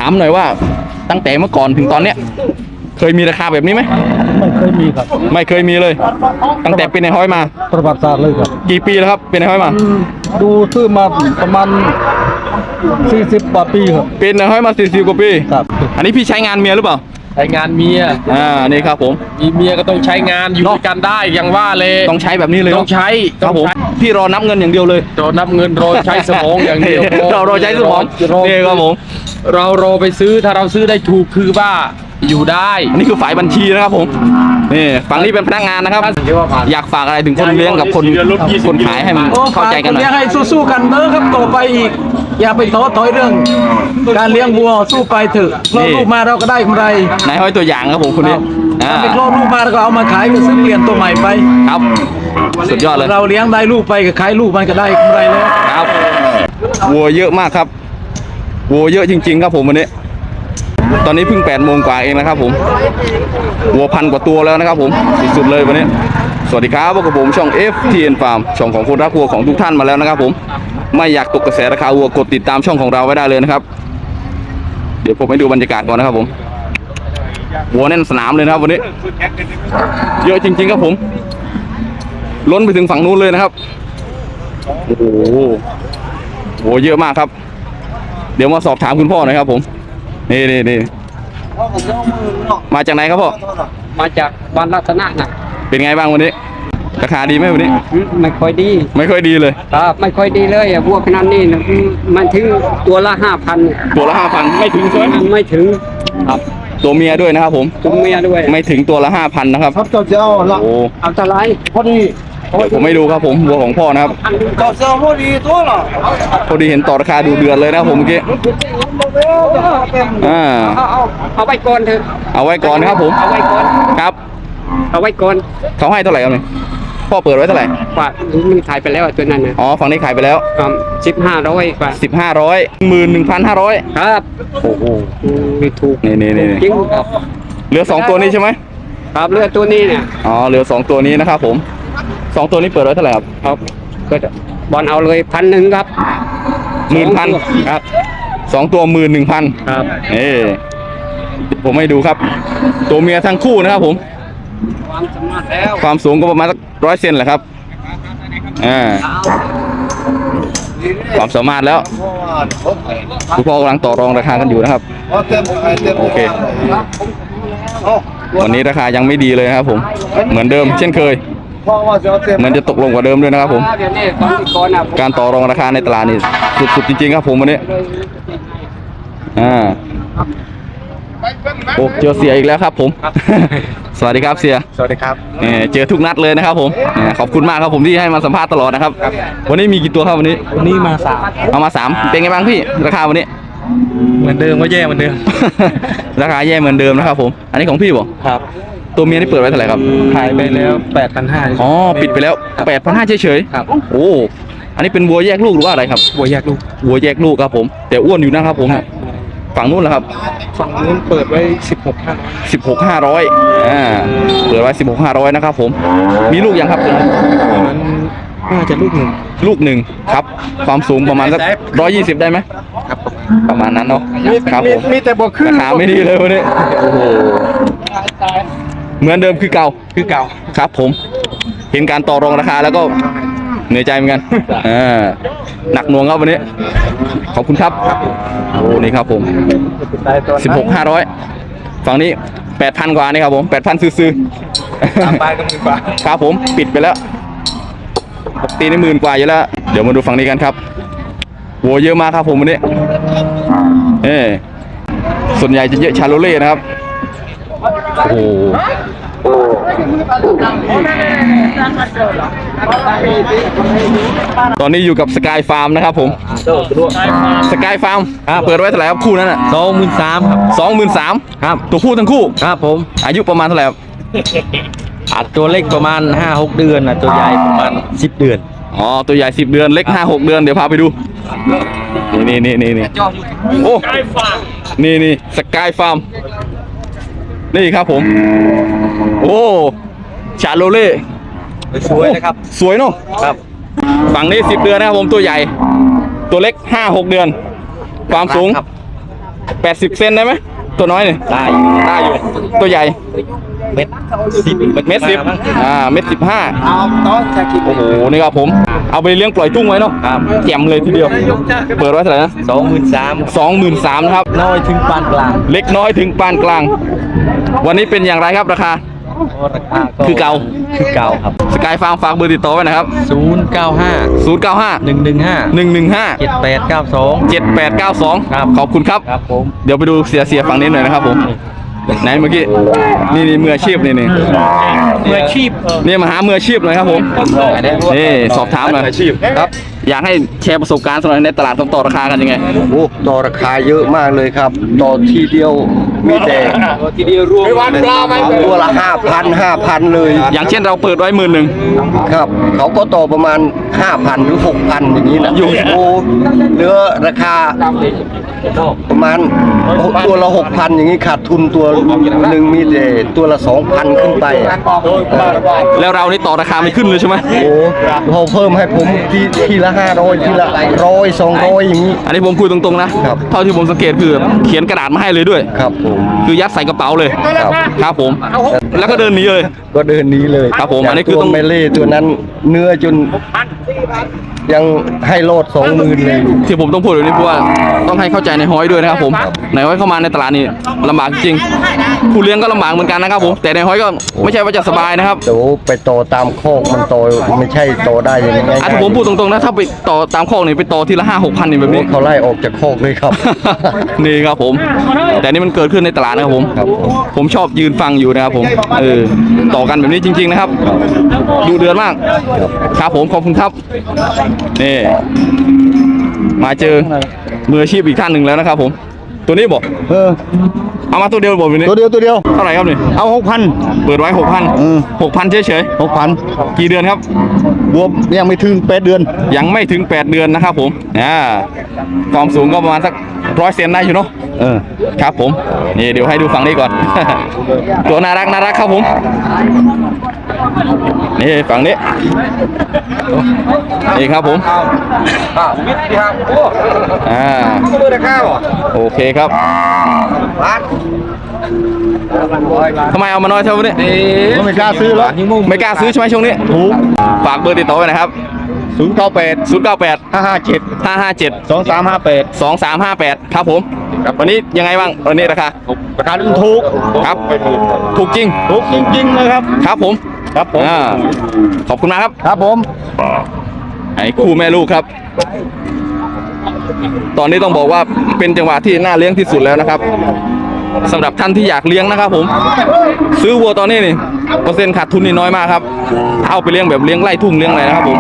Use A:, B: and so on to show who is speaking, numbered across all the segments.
A: ามหน่อยว่าตั้งแต่เมื่อก่อนถึงตอนเนี้ยเคยมีราคาแบบนี้ไหม
B: ไม่เคยมีครับ
A: ไม่เคยมีเลยตั้งแต่เป็นในห้อยมา
B: ประวัติศาสตร์เลยครับ
A: กี่ปีแล้วครับเป็นในห้อยมา
B: ดูซื้อมาประมาณ40 กว่าปีครับ
A: เป็นในห้อยมา40 กว่าปี
B: ครับ
A: อันนี้พี่ใช้งานเมียหรือเปล่า
C: ใช้งานเมีย
A: นี่ครับผม
C: มีเมียก็ต้องใช้งานอยู่ด้วยกันได้อย่างว่าเลย
A: ต้องใช้แบบนี้เลย
C: ต้องใช้
A: ครับผมพี่รอนับเงินอย่างเดียวเลย
C: รอนับเงินรอใช้สมองอย่างเดียว
A: เราใช้สมองนี่ครับผม
C: เรารอไปซื้อถ้าเราซื้อได้ถูกคือว่าอยู่ได้
A: อันนี้คือฝ่ายบัญชีนะครับผมนี่ฝั่งนี้เป็นพนักงานนะครับอยากฝากอะไรถึงคนเลี้ยงกับคนขายให้มันเข้าใจกันหน่อย
B: เลี้ยงให้สู้ๆกันเด้อครับต่อไปอีกอย่าไปท้อถอยเรื่องการเลี้ยงวัวสู้ไปเถอะคลอดลูกมาเราก็ได้กำไร
A: นายห้อยตัวอย่างครับผมคนนี้
B: ไปคลอดลูกมาแล้วก็เอามาขายก็ซื้อเปลี่ยนตัวใหม่ไป
A: ครับสุดยอดเลย
B: เราเลี้ยงได้ลูกไปก็ขายลูกมันก็ได้กำไรแล้ว
A: ครับวัวเยอะมากครับวัวเยอะจริงๆครับผมวันนี้ตอนนี้เพิ่ง8 โมงกว่าเองนะครับผมวัว1,000 กว่าตัวแล้วนะครับผมสุดๆเลยวันนี้สวัสดีครับพวกผมช่อง FTN Farm ช่องของคนรักวัวของทุกท่านมาแล้วนะครับผมไม่อยากตกกระแสราคาวัวกดติดตามช่องของเราไว้ได้เลยนะครับเดี๋ยวผมให้ดูบรรยากาศก่อนนะครับผมวัวแน่นสนามเลยนะครับวันนี้เยอะจริงๆครับผมล้นไปถึงฝั่งนู้นเลยนะครับโอ้โหวัวเยอะมากครับเดี๋ยวมาสอบถามคุณพ่อหน่อยครับผมนี่มาจากไหนครับพ่อ
C: มาจากบ้านรัตนะนะ
A: เป็นไงบ้างวันนี้ราคาดีไหมวันนี้
C: ไม่ค่อยดี
A: เลย
C: ครับไม่ค่อยดีเลยวัวขนาดนี้มันถึงตัวละ 5,000
A: ตัวละ 5,000ไม่ถึงใช่ไหม
C: ไม่ถึงครับ
A: ตัวเมียด้วยนะครับผม
C: ตัวเมียด้วย
A: ไม่ถึงตัวละ 5,000นะครับ
B: ครับเจ้าละ
A: โอ้
C: เอาเท่าไร
B: พอดี
A: ผมไม่ดูครับผมวัวของพ่อนะครับ
B: เจ้าพอดีตัวละ
A: พอดีเห็นต่อราคาดูเดือดเลยนะผมเมื่อกี้
C: เอาไว้ก่อนเถอะ
A: เอาไว้ก่อนครับผม
C: เอาไว้ก่อน
A: ครับ
C: เอาไว้ก่อน
A: เขาให้เท่าไหร่ครับเนี่ยพ่อเปิดไว้เท่าไหร่
C: กว่ามันขายไปแล้วตัวนั้นนะ
A: อ๋อฝั่งนี้ขายไปแล้ว
C: 1500กว่า
A: 1500 11,500
C: ครับ
A: โอ้โห
C: ถูก
A: นี่
C: จริงครับ
A: เหลือ2ตัวนี้ใช่ไหม
C: ครับเหลือตัวนี้เนี่ย
A: อ๋อเหลือ2ตัวนี้นะครับผม2ตัวนี้เปิดไว้เท่าไหร่ครับ
C: ก็บอลเอาเลย1,000ครับ
A: 10,000ครับ2ตัว11,000
C: ครับ
A: ผมให้ดูครับตัวเมียทั้งคู่นะครับผมความสูงก็ประมาณสัก100 เซนแหละครับความสามารถแล้วคุณพ่อกำลังต่อรองราคากันอยู่นะครับโอเควันนี้ราคายังไม่ดีเลยครับผมเหมือนเดิมเช่นเคยเหมือนจะตกลงกว่าเดิมด้วยนะครับผมการต่อรองราคาในตลาดนี่สุดๆจริงๆครับผมวันนี้โอ้เจอเสียอีกแล้วครับผมสวัสดีครับเสีย
B: สวัสดีครับ
A: เจอทุกนัดเลยนะครับผมขอบคุณมากครับผมที่ให้มาสัมภาษณ์ตลอดนะครับวันนี้มีกี่ตัวครับวันนี้
B: มา3
A: เอามา3เป็นไงบ้างพี่ราคาวันนี้
B: เหมือนเดิมก็แย่เหมือนเดิม
A: ราคาแย่เหมือนเดิมนะครับผมอันนี้ของพี่บ่
B: ครับ
A: ตัวเมียนี่เปิดไว้เท่าไหร่ครับ
B: ขายไปแล้ว8,500
A: อ๋อปิดไปแล้ว8,500เฉย
B: ๆครับ
A: โอ้อันนี้เป็นวัวแยกลูกหรือว่าอะไรครับ
B: วัวแยกลูก
A: ครับผมแต่อ้วนอยู่นะครับผมฝั่งนู้นเหรอครับ
B: ฝั่งนู้นเปิดไว้
A: 16,500เปิดไว้16,500นะครับผมมีลูกยังครับตัวนั้น
B: น่าจะลูกหนึ่ง
A: ครับความสูงประมาณสัก120ได้ไหม
B: ครับ
A: ประมาณนั้นเนาะครับผม
B: มีแต่บอกขึ้น
A: ราคาไม่ดีเลยวันนี้โอ้โหเหมือนเดิมคือเก่าครับผมเห็นการต่อรองราคาแล้วก็เหนื่อยใจเหมือนกันหนักหน่วงครับวันนี้ขอบคุณครับโอ้นี่ครับผม16,500ฝั่งนี้ 8,000 กว่านี่ครับผม 8,000 ซื้อ
B: ไปก็10,000 กว่า
A: ครับผมปิดไปแล้วตีใน10,000 กว่าอยู่แล้วเดี๋ยวมาดูฝั่งนี้กันครับโหเยอะมากครับผมวันนี้ส่วนใหญ่จะเยอะชาโลเล่นะครับโอ้ตอนนี้อยู่กับสกายฟาร์มนะครับผมสกายฟาร์มเปิดไว้เท่าไหร่ครับคู่นั้น
B: 23,000ครับ
A: 23,000ครับตัวผู้ทั้งคู่
B: ครับผม
A: อายุประมาณเท่าไหร่ครับ
B: ตัวเล็กประมาณ 5-6 เดือนนะตัวใหญ่ประมาณ10 เดือน
A: อ๋อตัวใหญ่10 เดือนเล็ก 5-6 เดือนเดี๋ยวพาไปดูนี่โอ้นี่สกายฟาร์มนี่ครับผมโอ้ชาโลเล่
B: สวยนะครับ
A: สวยเนาะ
B: ครับ
A: ฝั่งนี้10 เดือนนะครับผมตัวใหญ่ตัวเล็ก 5-6 เดือนความสูง 80 เซนได้ไหมตัวน้อยเนี่ยได้อยู่ตัวใหญ่เม็ด 10เม็ด 10เม็ด 15โอ้โหนี่ครับผมเอาไปเลี้ยงปล่อยทุ่งไว้เนาะแจ่มเลยทีเดียวเปิดไว้เท่าไหร่นะ23,000นะครับ
B: น้อยถึงปานกลาง
A: เล็กน้อยถึงปานกลาง วันนี้เป็นอย่างไรครับราคา
B: ราคา
A: คือเก่า
B: ครับ
A: สกายฟาร์มฝากเบอร์ติดต่อไว้นะครับ
B: 095
A: 095
B: 115
A: 115
B: 7892 ครับ
A: ขอบคุณครับ
B: ครับผม
A: เดี๋ยวไปดูเสียฝั่งนี้หน่อยนะครับผมไหนเมื่อกี้นี่มืออาชีพนี่มืออาชีพนี่มาหามืออาชีพเลยครับผมนี่สอบถามหน่อยครับอยากให้แชร์ประสบการณ์สำหรับในตลาดต่อราคากันยังไง
D: โอ้ต่อราคาเยอะมากเลยครับ ต่อทีเดียวมีแต่ตัวละ5,000 เลย
A: อย่างเช่นเราเปิดไว้10,000
D: ครับ เขาก็ต่อประมาณ 5,000 หรือ 6,000 อย่างนี้นะ
A: อยู่
D: โอ้เหลือราคาประมาณตัวละ 6,000 อย่างนี้ขาดทุนตัวหนึ่งมีแต่ตัวละ 2,000 ขึ้นไป
A: แล้วเรานี่ต่อราคาไม่ขึ้นเลยใช่ไหม
D: โอ้เขาเพิ่มให้ผมทีละ500ทีละ100 200อย่างนี้
A: อันนี้ผมคุยตรงๆนะครับ เท่าที่ผมสังเกตคือเขียนกระดาษมาให้เลยด้วย
D: ครับผม
A: คือยัดใส่กระเป๋าเลย
D: ครับ
A: ครับผม แล้วก็เดินหนีเลย
D: ก็เดินนี้เลย
A: ครับผมอันนี้คือ
D: ตัว
A: ต้อง
D: เมเล่ตัวนั้นเนื้อจนยังให้โลด20,000เลย
A: ที่ผมต้องพูดแบบนี้เพราะว่าต้องให้เข้าใจในห้อยด้วยนะครับผมในห้อยเข้ามาในตลาดนี่ลำบากจริงผู้เลี้ยงก็ลำบากเหมือนกันนะครับผมแต่ในห้อยก็ไม่ใช่ว่าจะสบายนะครับ
D: เดี๋ยวไปโตตามโคกมันโตไม่ใช่โตได้อย่างนี้
A: ถ้าผมพูดตรงๆนะถ้าไปต่อตามข้อนี่ไปต่อทีละ5-6 พันนี่แบบนี้
D: เขาไล่ออกจากโคกเลยครับ
A: นี่ครับผม แต่นี่มันเกิดขึ้นในตลาดนะครับผม
D: ครับผม
A: ผมชอบยืนฟังอยู่นะครับผมต่อกันแบบนี้จริง ๆนะครับดูเดือดมากครับผมขอบคุณครับนี่มาเจอมืออาชีพอีกท่านหนึ่งแล้วนะครับผมตัวนี้บอกเอามาตัวเดียวบอกแบบนี้
D: ตัวเดียว
A: เท่าไหร่ครับนี่
D: เอา
A: เปิดไว้ 6,000 6,000เฉย
D: 6,000
A: กี่เดือนครับ
D: บวมยังไม่ถึง8 เดือน
A: ยังไม่ถึง 8 เดือนนะครับผมความสูงก็ประมาณสัก100 เซนได้อยู่เนาะครับผมนี่เดี๋ยวให้ดูฝั่งนี้ก่อน ตัวน่ารักครับผมนี่ฝั่งนี้นี่ครับผมโอเคครับทำไมเอามาน้อยเท่านี้
D: ไม่กล้าซื้อหรอก
A: ไม่กล้าซื้อใช่ไหมช่วงนี้ถูกฝากเบอร์ติดต่อไว้นะครับ
D: 098 557 2358
A: 2358ครับผมวันนี้ยังไงบ้างวันนี้ราคา
D: ราคาถูก
A: ครับถูกจริง
D: จริงๆเลยครับ
A: ครับผมขอบคุณมากครับ
D: ครับผม
A: ไอ้คู่แม่ลูกครับ ตอนนี้ต้องบอกว่าเป็นจังหวะที่น่าเลี้ยงที่สุดแล้วนะครับสำหรับท่านที่อยากเลี้ยงนะครับผมซื้อวัวตอนนี้นี่เปอร์เซ็นต์ขาดทุนนี่น้อยมากครับเอาไปเลี้ยงแบบเลี้ยงไร่ทุ่งเลี้ยงอะไรนะครับผม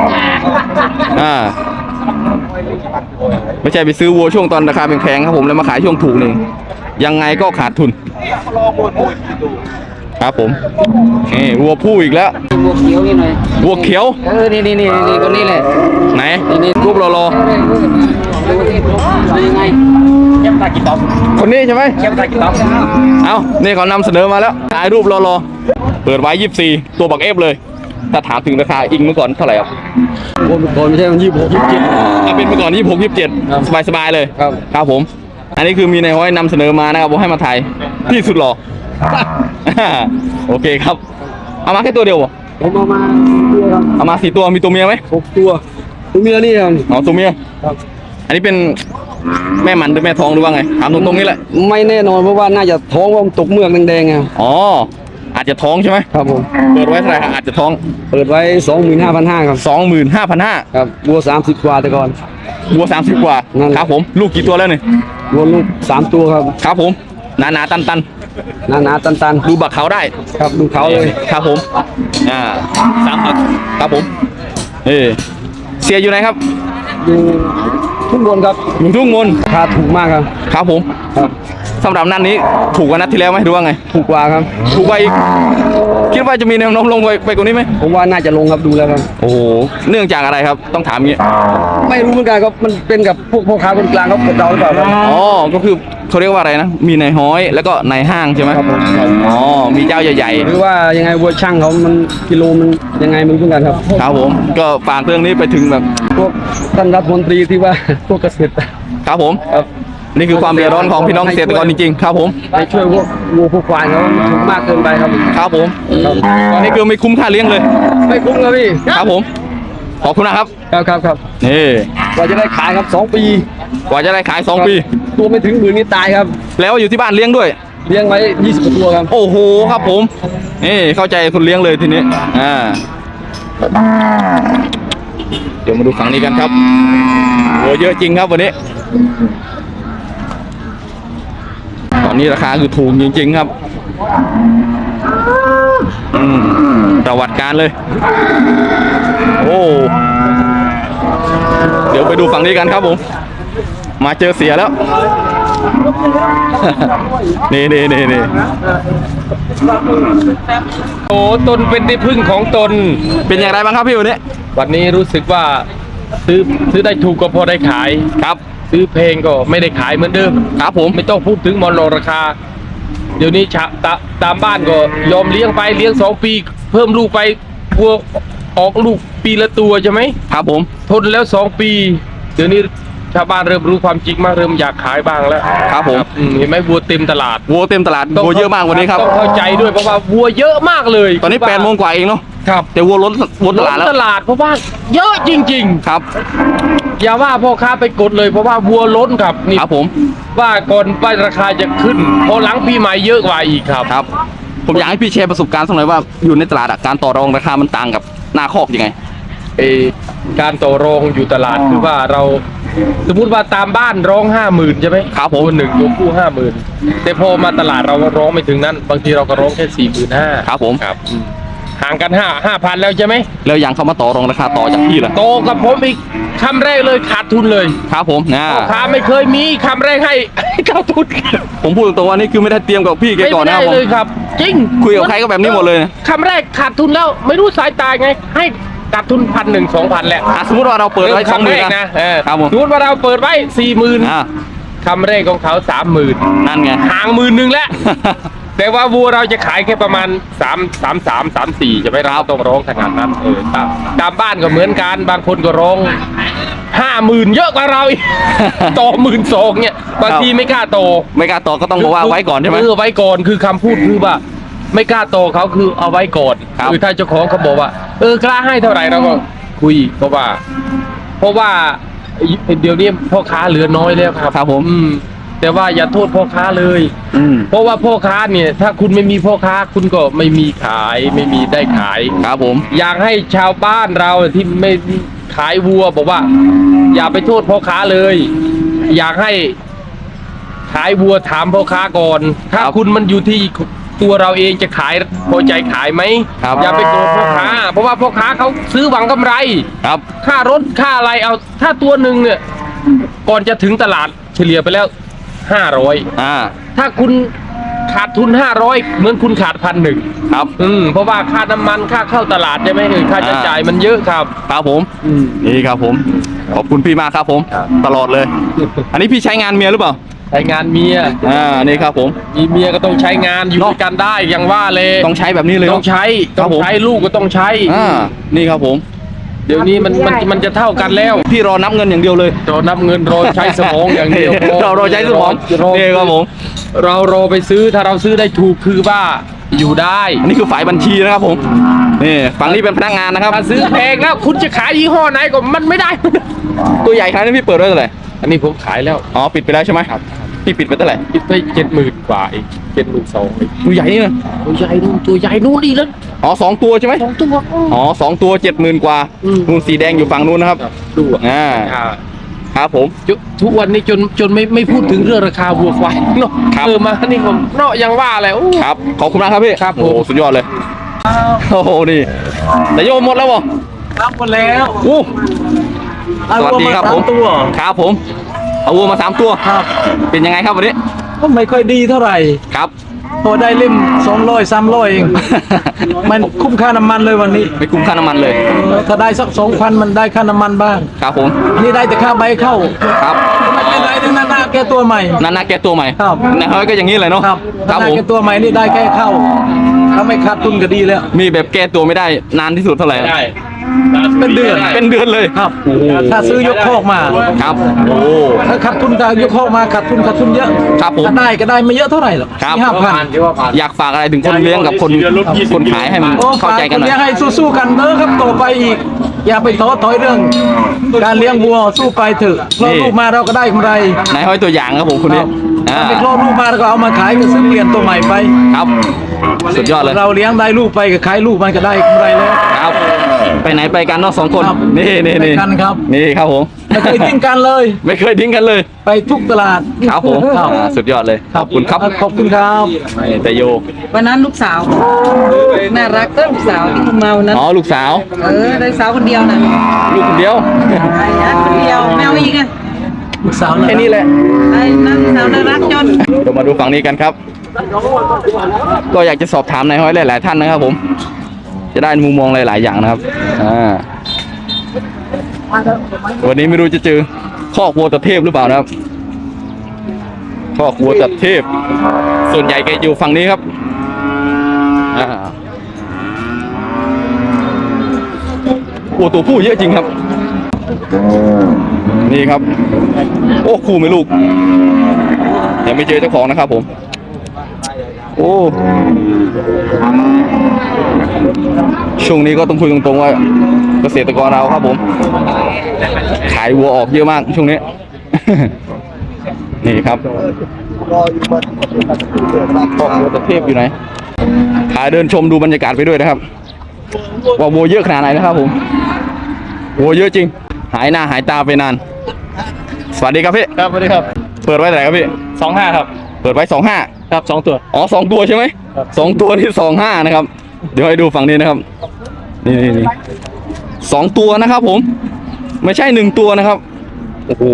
A: ไม่ใช่ไปซื้อวัวช่วงตอนราคาแพงๆครับผมแล้วมาขายช่วงถูกนี่ยังไงก็ขาดทุนครับผมนี่วัวผู้อีกแล้ว
C: วัวเขียวนี่หน่อย
A: วัวเขียว
C: นี่คนนี้แหละ
A: ไหนรูปรอ
C: ดูที่ยังไง
A: คนนี้ใช่ไหมเอานี่เขานำเสนอมาแล้วถ่ายรูปรอเปิดไว้24ตัวบักเอฟเลยถ้าถามถึงราคาอิงเมื่อก่อนเท่าไหร่ครับ
B: ก่อนไม่ใช่มัน26 27
A: ถ้าเป็นเมื่อก่อน26 27สบายเลย
B: ครับ
A: ครับผม อันนี้คือมีในห้อยนำเสนอมานะครับผมให้มาถ่ายที่สุดหล่อ โอเคครับเอามาแค่ตัวเดียวเหรอ
C: ผมเอามาตัวครับ
A: เอามา4 ตัวมีตัวเมียไหม
B: 6 ตัวตัวเมียนี่ครับ
A: อ๋อตัวเมีย
B: ครับ
A: อันนี้เป็นแม่มันหรือแม่ท้องหรือว่าไงถามตรงๆนี่แหละ
B: ไม่แน่นอนเพราะว่าน่าจะท้องว่ามันตกเมือกแดงๆไง
A: อ๋ออาจจะท้องใช่ไหม
B: ครับผม
A: เปิดไว้เท่าไหร่ครับอาจจะท้อง
C: เปิดไว้ 25,500 ครับ
A: 25,500
C: ครับวัว30 กว่าแต่ก่อน
A: วัว30 กว่า
C: นั่น
A: ครับผมลูกกี่ตัวแล้วเนี่ย
C: วัวลูก3 ตัวครับ
A: ครับผมหนาๆตัน
C: หนาๆตัน
A: ๆดูบักเขาได้
C: ๆครับดูเขาเลย
A: ครับผม3 บักครับผมเสียอยู่ไหนครับ
C: อยู่ทุกบนครับ
A: อยู่ทุ่งมน
C: ราคาถูกมากครับ
A: ครับผม
C: ครับ
A: สำหรับนัดนี้ถูกกว่านัดที่แล้วไหมหรือว่าไง
C: ถูกกว่าครับ
A: ถูกกว่าอีกคิดว่าจะมีแนวโน้มลงไปกว่านี้ไหม
C: ผมว่าน่าจะลงครับดูแล้วครับ
A: โอ้โหเนื่องจากอะไรครับต้องถามอย่างนี้
C: ไม่รู้เหมือนกันครับมันเป็นกับพวกพ่อค้าคนกลางเขากดเราหรือเปล่าครับ
A: อ๋อก็คือเขาเรียกว่าอะไรนะมีในห้อยแล้วก็ในห้างใช่ไหม
C: ครับผม
A: อ๋อมีเจ้าใหญ่
C: หรือว่ายังไงวัวช่างเขามันกิโลมันยังไงมันเหมือนกันครับ
A: ๆครับผมก็ฝากเรื่องนี้ไปถึงแบบ
C: พวกท่านรัฐมนตรีที่ว่า พวกเกษตร
A: ครับผม
C: ครับ
A: นี่คือความเดือดร้อนของพี่น้องเกษตรกรจริงๆครับผม
C: ไปช่วยวัวผู้ควายเขาถูกมากเกินไปครับ
A: ครับผมนี่คือไม่คุ้มค่าเลี้ยงเลย
C: ไม่คุ้มครับพี่
A: ครับผมขอบคุณนะครับ
C: ครับ
A: นี่
C: กว่าจะได้ขายครับ2 ปี
A: กว่าจะได้ขาย2 ปี
C: ตัวไม่ถึงหมื่นนี่ตายครับ
A: แล้วอยู่ที่บ้านเลี้ยงด้วย
C: เลี้ยงไว้20กว่าตัวครับ
A: โอ้โหครับผมนี่เข้าใจคนเลี้ยงเลยทีนี้เดี๋ยวมาดูฝั่งนี้กันครับโอ้เยอะจริงครับวันนี้ตอนนี้ราคาคือถูกจริงๆครับประวัติการเลยโอ้เดี๋ยวไปดูฝั่งนี้กันครับผมมาเจอเสียแล้ว นี่
E: โอ้ตนเป็นที่พึ่งของตน
A: เป็นอย่างไรบ้างครับพี่วันนี้
E: วันนี้รู้สึกว่าซื้อได้ถูกก็พอได้ขาย
A: ครับ
E: ซื้อเพลงก็ไม่ได้ขายเหมือนเดิม
A: ครับผม
E: ไม่ต้องพูดถึงมอลโลราคา เดี๋ยวนี้ตามบ้านก็ยอมเลี้ยงไปเลี้ยง2 ปี เพิ่มลูกไปวัวออกลูกปีละตัวใช่ไหม
A: ครับผม
E: ทนแล้ว2 ปี เดี๋ยวนี้ชาวบ้านเริ่มรู้ความจริงมากเริ่มอยากขายบ้างแล้ว
A: ครับผม
E: เห็นไหมวัวเต็มตลาด
A: วัวเต็มตลาดวัวเยอะมากวันนี้ครับ
E: ต้องเข้าใจด้วยเพราะว่าวัวเยอะมากเลย
A: ตอนนี้8 โมงกว่าเองเนาะ
E: ครับ
A: แต่วัวล้นตลาดแล้ว
E: ตลาดเพราะว่าเยอะจริง ๆ
A: ครับ
E: อย่าว่าพ่อค้าไปกดเลยเพราะว่าวัวล้นครับนี่
A: ครับผม
E: ว่าก่อนป้ายราคาจะขึ้นพอหลังปีใหม่เยอะกว่าอีกครับ
A: ครับ ผมอยากให้พี่แชร์ประสบการณ์สักหน่อยว่าอยู่ในตลาดอะการต่อรองราคามันต่างกับหน้าคอกยังไง
E: การต่อรองอยู่ตลาดคือว่าเราสมมุติว่าตามบ้านร้อง 50,000ใช่ไหม
A: ครับผม
E: ตัวหนึ่งตัวคู่ 50,000แต่พอมาตลาดเราก็ร้องไม่ถึงนั้น บางทีเราก็ร้องแค่45,000
A: ครับผม
E: ครับห่างกัน5,000แล้วใช่ไหม
A: แล้วยังเข้ามาต่อรองราคาต่อจากพี่ล่ะ
E: โตกับผมอีกคำแรกเลยขาดทุนเลย
A: ครับผมนะ
E: พ่อค้าไม่เคยมีคำแรกให้ เข้าทุน
A: ผมพูดตรงๆว่านี่คือไม่ได้เตรียมกับพี่แก
E: ไม่
A: ก่อนนะค
E: ได้
A: รับผม
E: เลยครับ จริง
A: คุยกับใครก็แบบนี้หมดเลยนะ
E: คำแรกขาดทุนแล้วไม่รู้สายตาไง ให้ขาดทุน1,100 2,000แหละ
A: สมมติว่าเราเปิดไว้
E: คำแรก
A: 20,000
E: นะ
A: ครับผม
E: สมมติว่าเราเปิดไว้
A: อ่า
E: 40,000คำแรกของเขา 30,000
A: นั่นไง
E: ห่าง10,000แล้ว แต่ว่าวัวเราจะขายแค่ประมาณ33 34จะไม่เราต้องร้องขนาดนั้นตามบ้านก็เหมือนกันบางคนก็ร้อง 50,000 เยอะกว่าเราอีก ต่อ12,000เนี่ยบางทีไม่กล้าโต
A: ไม่กล้าต่อก็ต้องบอกว่าไว้ก่อนใช่ไหม
E: ไว้ก่อนคือคำพูดคือว่า ไม่กล้าโตเขาคือเอาไว้ก่อน
A: ครับ
E: คือถ้าเจ้าของเขาบอกว่ากล้าให้เท่าไหร่เราก็คุยเพราะว่าเดี๋ยวนี้พ่อค้าเหลือน้อยแล้วครับ
A: ครับผม
E: แต่ว่าอย่าโทษพ่อค้าเลย เพราะว่าพ่อค้าเนี่ยถ้าคุณไม่มีพ่อค้าคุณก็ไม่มีขายไม่มีได้ขาย
A: ครับผม
E: อยากให้ชาวบ้านเราที่ไม่ขายวัวบอกว่า อย่าไปโทษพ่อค้าเลย อยากให้ขายวัวถามพ่อค้าก่อน ถ้าคุณมันอยู่ที่ตัวเราเองจะขายพอใจขายไหม
A: ครับ
E: อย่าไปโกรธพ่อค้า เพราะว่าพ่อค้าเขาซื้อหวังกำไร
A: ครับ
E: ค่ารถค่าอะไรเอาถ้าตัวหนึ่งเนี่ยก่อนจะถึงตลาดเฉลี่ยไปแล้ว500 ถ้าคุณขาดทุน500เหมือนคุณขาด1,100
A: ครับ
E: เพราะว่าค่าน้ำมันค่าเข้าตลาดใช่ไหมค่าใช้จ่ายมันเยอะครับ
A: ครับผมนี่ครับผมขอบคุณพี่มากครับผม
E: ครับ
A: ตลอดเลย อันนี้พี่ใช้งานเมียหรือเปล่า
E: ใช้งานเมีย
A: นี่ครับผม
E: มีเมียก็ต้องใช้งานอยู่ด้วยกันได้อย่างว่าเลย
A: ต้องใช้แบบนี้เลย
E: ต้องใช้
A: ครั
E: ต้
A: บ
E: อง
A: ผม
E: ใช้ลูกก็ต้องใช้
A: นี่ครับผม
E: เดี๋ยวนี้มันจะเท่ากันแล้ว
A: พี่รอนับเงินอย่างเดียวเลย
E: รอนับเงินรอใช้สมองอย่างเดียว
A: เราใช้สมองนี่ครับผม
E: เรารอไปซื้อถ้าเราซื้อได้ถูกคือว่าอยู่ได้
A: อันนี้คือฝ่ายบัญชีนะครับผมนี่ฝั่งนี้เป็นพนักงานนะครับ
E: ถ้าซื้อแพงแล้วคุณจะขายยี่ห้อไหนก็มันไม่ได้
A: ตัวใหญ่ขนาดนี้พี่เปิดไว้เท่าไหร่
E: อันนี้ผมขายแล้ว
A: อ๋อปิดไปแล้วใช่ไหมครับพี่ปิดไปเท่าไหร่
E: คิดไป70,000 กว่าอีก72,000อีก
A: ตัวใหญ่นี่นะ
E: ตัวใหญ่นู่นอีกแล้ว
A: อ๋อ2 ตัวใช่ไหม
E: 2 ตัว
A: อ๋อ2 ตัว 70,000 กว่านู่นสีแดงอยู่ฝั่งนู้นนะครับ
E: ดูอ่ะ
A: ครับผม
E: ทุกวันนี้จนไม่พูดถึงเรื่องราคาวัวควายเนาะ
A: ครับ
E: มานี่ผมเนาะยังว่าอะไรโอ้
A: ครับขอบคุณมากครับพี่
E: ครับผม
A: โอ้โหสุดยอดเลยโอ้โหนี่แต่โยมหมดแล้วบ่
B: รับหมดแล้ว
A: อู้สวัสดีครับผม
B: ตัว
A: ครับผมเอาวัวมา3 ตัว
B: ครับ
A: เป็นยังไงครับวันนี้
B: ก็ไม่ค่อยดีเท่าไหร่
A: ครับ
B: พอได้เล่ม200 300เอง มันคุ้มค่าน้ำมันเลยวันนี้
A: ไม่คุ้มค่าน้ำมันเลย
B: ถ้าได้สัก 2,000 มันได้ค่าน้ำมันบ้าง
A: ครับผม
B: นี่ได้แต่ค่าใบเข้า
A: ครับ
B: ไม่เป็นไรทั้งนั้นนะแกตัวใหม่
A: นาแกตัวใหม่
B: ครับ
A: นะเฮ้ยก็อย่างนี้เลยเนาะ
B: ครับ
A: ครับ
B: ถ้า
A: ผม
B: แกตัวใหม่นี่ได้แค่เข้าถ้าไม่ขาดทุนก็ดีแล้ว
A: มีแบบแก้ตัวไม่ได้นานที่สุดเท่าไหร่
E: ได้
B: เป็นเดือน
A: เป็นเดือนเลย
B: ครับ
A: โอ้โห
B: ถ้าซื้อยกคอกมา
A: ครับโอ้
B: ถ้าขาดทุนถ้ายกคอกมาขาดทุนเยอะ
A: ครับผม
B: ถ้าได้ก็ได้ไม่เยอะเท่าไหร่หรอก
A: ครับ
B: 4-5,000
A: อยากฝากอะไรถึงคนเลี้ยงกับคนขายให้มัน
B: โอ้
A: เข้าใจกันหน่อย
B: ฝาคเลี้ยงให้สู้ๆกันเด้อครับต่อไปอีก อย่าไปท้อถอยเรื่อง การเลี้ยงวัวสู้ไปเถอะคลอดลูกมาเราก็ได้กำไร
A: นายห้อยตัวอย่างครับผมคนนี้อ่า
B: ถ้าไปคลอดลูกมาเราก็เอามาขายก็ซื้อเปลี่ยนตัวใหม่ไป
A: ครับ สุดยอดเลย
B: เราเลี้ยงได้ลูกไปก็ขายลูกมันก็ได้กำไรแล้ว
A: ครับ ไปไหนไปกันเนาะ2 คน
B: ครับ
A: นี่
B: ไปกันครับ
A: นี่ครับผม
B: ไม่เคยทิ้งกันเลย
A: ไม่เคยทิ้งกันเลย
B: ไปทุกตลาด
A: ครับผม
B: ครับ
A: สุดยอดเลย ขอบคุณครับ
B: ขอบคุณครับ
A: นี่แต่โย
F: วันนั้นลูกสาวน่ารักก็ลูกสาวที่คุณมาวันนั้น
A: อ๋อลูกสาว
F: ได้สาวคนเดียวนะ
A: ลูกคนเดียว
F: ไอ้นัทคนเดียวแมวอีกอ่ะ
B: ลูกสาวนะ
A: แค่นี้แหละ
F: ไอ้นัทสาวน่ารักจน
A: เดี๋ยวมาดูฝั่งนี้กันครับ ก็อยากจะสอบถามนายห้อยหลายๆท่านนะครับผม จะได้มุมมองหลายๆอย่างนะครับ วันนี้ไม่รู้จะเจอคอกวัวตะเทพหรือเปล่านะครับคอกวัวตะเทพ ส่วนใหญ่แกอยู่ฝั่งนี้ครับวัวตัวผู้เยอะจริงครับ นี่ครับ โอ้คู่ไม่ลูกยังไม่เจอเจ้าของนะครับผม โอ้ช่วงนี้ก็ต้องคุยตรงๆว่าเกษตรกรเราครับผม ขายวัวออกเยอะมากช่วงนี้ นี่ครับคอกวัวตะเทพอยู่ไหนพาเดินชมดูบรรยากาศไปด้วยนะครับว่าวัวเยอะขนาดไหนนะครับผมวัวเยอะจริง หายหน้าหายตาไปนาน สวัสดีครับพี่
B: ครับสวัสดีครับ
A: เปิดไว้เท่าไหร่ครับพี่
B: 25ครับ
A: เปิดไว้25
B: ครับ2ตัว
A: อ๋อ2 ตัวใช่ไหม 2 ตัวที่25นะครับ เดี๋ยวให้ดูฝั่งนี้นะครับ นี่2 ตัวนะครับผม ไม่ใช่1 ตัวนะครับ โอ้โห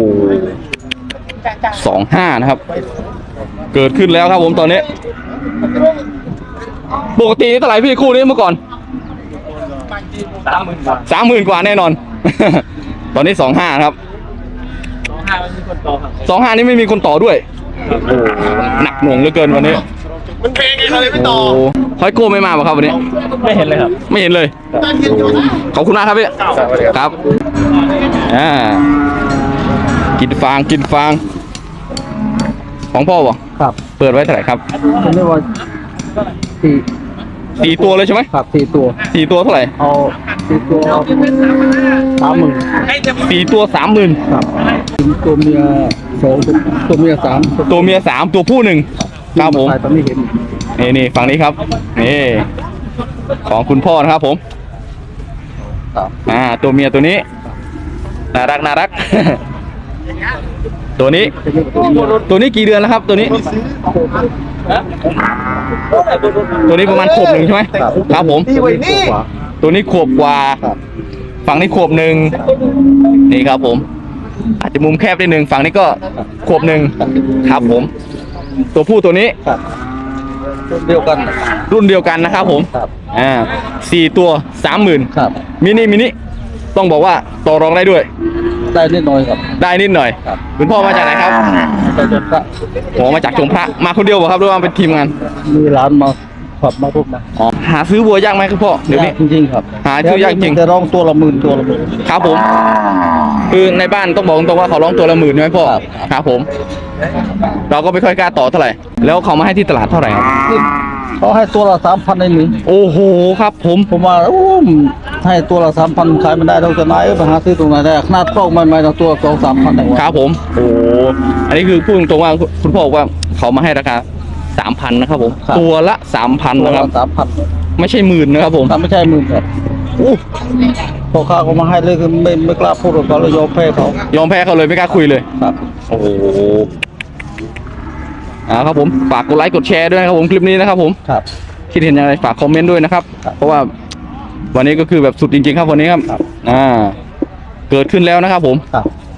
A: 25นะครับ เกิดขึ้นแล้วครับผมตอนนี้ ปกติเท่าไหร่พี่คู่นี้เมื่อก่อน 30,000 กว่าแน่นอน ตอนนี้25ครับ25นี่ไม่มีคนต่อด้วย หนักหน่วงเหลือเกินวันนี้มันเพลงไงเขาเลยไม่ต่อหอยโก้ไม่มาป่ะครับวันนี้
B: ไม่เห็นเลยครับ
A: ไม่เห็นเลยขอบคุณมากครับพี่ครับกินฟางของพ่อป่ะ
B: ครับ
A: เปิดไว้เท่าไหร่ครับ
B: เรียกว่า4
A: 4 ตัวเลยใช่ไหม
B: ครับ4ตัว
A: 4 ตัวเท่าไหร่
B: เอา4ตัว30,000
A: 4 ตัว 30,000
B: ครับตัวเมีย2ตัวเมีย3
A: ตัวเมีย3ตัวผู้1ครับผม
B: ตอนนี้เห็น
A: นี่ฝั่งนี้ครับนี่ของคุณพ่อนะครับผมตัวเมียตัวนี้น่ารัก ตัวนี้กี่เดือนแล้วครับ ตัวนี้ประมาณขวบ 1ใช่ไหมครับผมตัวนี้ขวบกว่าฝั่งนี้ขวบ 1นี่ครับผม อาจจะมุมแคบนิดนึงฝั่งนี้ก็ขวบ 1ครับผม ตัวผู้ตัวนี้รุ่นเดียวกันนะครับผม4 ตัว 30,000
B: ครับ
A: มินิต้องบอกว่าต่อรองได้ด้วย
B: ได้นิดหน่อยครับ
A: ได้นิดหน่อย
B: ครับ
A: คุณพ่อมาจากไหนครับ
B: แต่จะก็
A: ผมมาจากชมพระมาคนเดียวเหรอครับหรือว่าเป็นทีมงาน
B: มีร้านมาขับมาพวกมา
A: อ๋อหาซื้อวัวยากไหมครับพ่อเดี๋ยวนี้
B: จริงๆครับ
A: หาซื้อยากจริง
B: จะร้องตัวละหมื่น
A: ครับผม คือในบ้านต้องบอกตรงว่าเขาร้องตัวละ 10,000ใช่ไหมพ่อครับผม เราก็ไม่ค่อยกล้าต่อเท่าไหร่แล้วเขามาให้ที่ตลาดเท่าไหร่ครับ
B: เขาให้ตัวละ3,000ในนี้
A: โอ้โหครับผม
B: ผมว่าให้ตัวละ3,000ขายไม่ได้เราจะไหนไปหาซื้อตรงไหนได้ขนาดกล้องใหม่ๆเราตัว2-3,000ได้วะ
A: ครับผมโอ้อันนี้คือพูดตรงๆว่าคุณพ่อบอกว่าเขามาให้ราคา 3,000 นะครับผม ตัวละ 3,000
B: ตัว
A: นะค
B: ละ
A: รับ
B: 3,000
A: ไม่ใช่หมื่นนะครับผม
B: ถ้าไม่ใช่หมื่นครับพอค้าก็มาให้เลยคือไม่กล้าพูดกับเขาเลยยอมแพ้เขา
A: ยอมแพ้เขาเลยไม่กล้าคุยเลย
B: ครับ
A: โอ้โหครับผมฝากกดไลค์กดแชร์ด้วยนะครับผมคลิปนี้นะครับผม
B: ครับ
A: คิดเห็นยังไงฝากคอมเมนต์ด้วยนะครับ
B: ครับ
A: เพราะว่าวันนี้ก็คือแบบสุดจริงๆครับวันนี้ครับ
B: ครับ
A: เกิดขึ้นแล้วนะครับผม
B: ครับ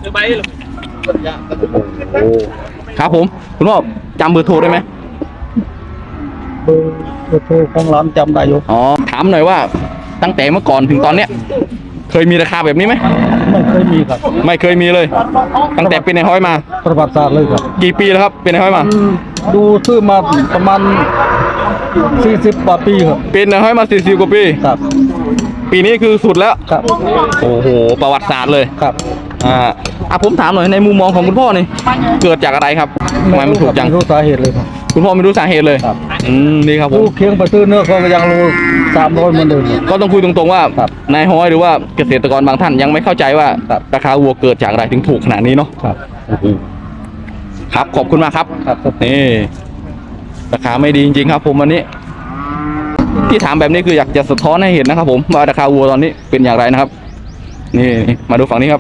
A: ครับผมคุณพ่อจำเบอร์โทรได้ไหม
B: เบอร์โทรของร้านจำได้อยู่
A: อ๋อถามหน่อยว่าตั้งแต่เมื่อก่อนถึงตอนเนี้ยเคยมีราคาแบบนี้ไหม
B: ไม่เคยมีครับ
A: ไม่เคยมีเลย ตั้งแต่เป็นในห้อยมา
B: ประวัติศาสตร์เลยครับ
A: กี่ปีแล้วครับเป็นในห้อยมา
B: ดูซื้อมาประมาณ40 กว่าปีครับ
A: เป็นในห้อยมา40 กว่าปี
B: ครับ
A: ปีปีนี้คือสุดแล้ว
B: ครับ
A: โอ้โหประวัติศาสตร์เลย
B: ครับ
A: ผมถามหน่อยในมุมมองของคุณพ่อนี่เกิดจากอะไรครับทำไมมันถูกจัง
B: ไม่รู้สาเหตุเลยครับ
A: คุณพ่อไม่รู้สาเหตุเลย
B: ครับ
A: นี่ครับผม
B: ผู้เคียงประตื้อเนื้อเขาก็ยังรู้300เหมือนเดิมครับ
A: ก็ต้องคุยตรงๆว่า
B: ครับ
A: นายฮ้อยหรือว่าเกษตรกรบางท่านยังไม่เข้าใจว่า
B: ครับ
A: ราคาวัวเกิดจากอะไรถึงถูกขนาดนี้เนาะ
B: ครับ
A: ครับขอบคุณมากครับ
B: ครับ
A: นี่ราคาไม่ดีจริงๆครับผมวันนี้ ที่ถามแบบนี้คืออยากจะสะท้อนให้เห็นนะครับผมว่าราคาวัวตอนนี้เป็นอย่างไรนะครับ นี่มาดูฝั่งนี้ครับ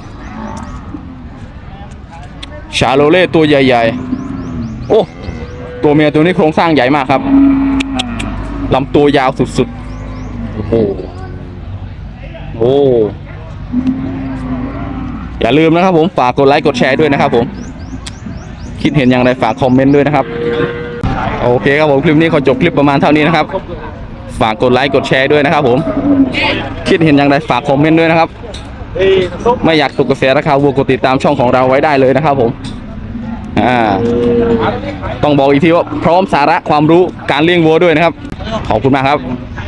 A: ชาโลเล่ตัวใหญ่ๆโอ้ตัวเมียตัวนี้โครงสร้างใหญ่มากครับลำตัวยาวสุดๆโอ้โหโอ้อย่าลืมนะครับผมฝากกดไลค์กดแชร์ด้วยนะครับผมคิดเห็นอย่างไรฝากคอมเมนต์ด้วยนะครับโอเคครับผมคลิปนี้ขอจบคลิปประมาณเท่านี้นะครับฝากกดไลค์กดแชร์ด้วยนะครับผมคิดเห็นอย่างไรฝากคอมเมนต์ด้วยนะครับไม่อยากตกกระแสราคาวัวกดติดตามช่องของเราไว้ได้เลยนะครับผมต้องบอกอีกทีว่าพร้อมสาระความรู้การเลี้ยงวัวด้วยนะครับขอบคุณมากครับ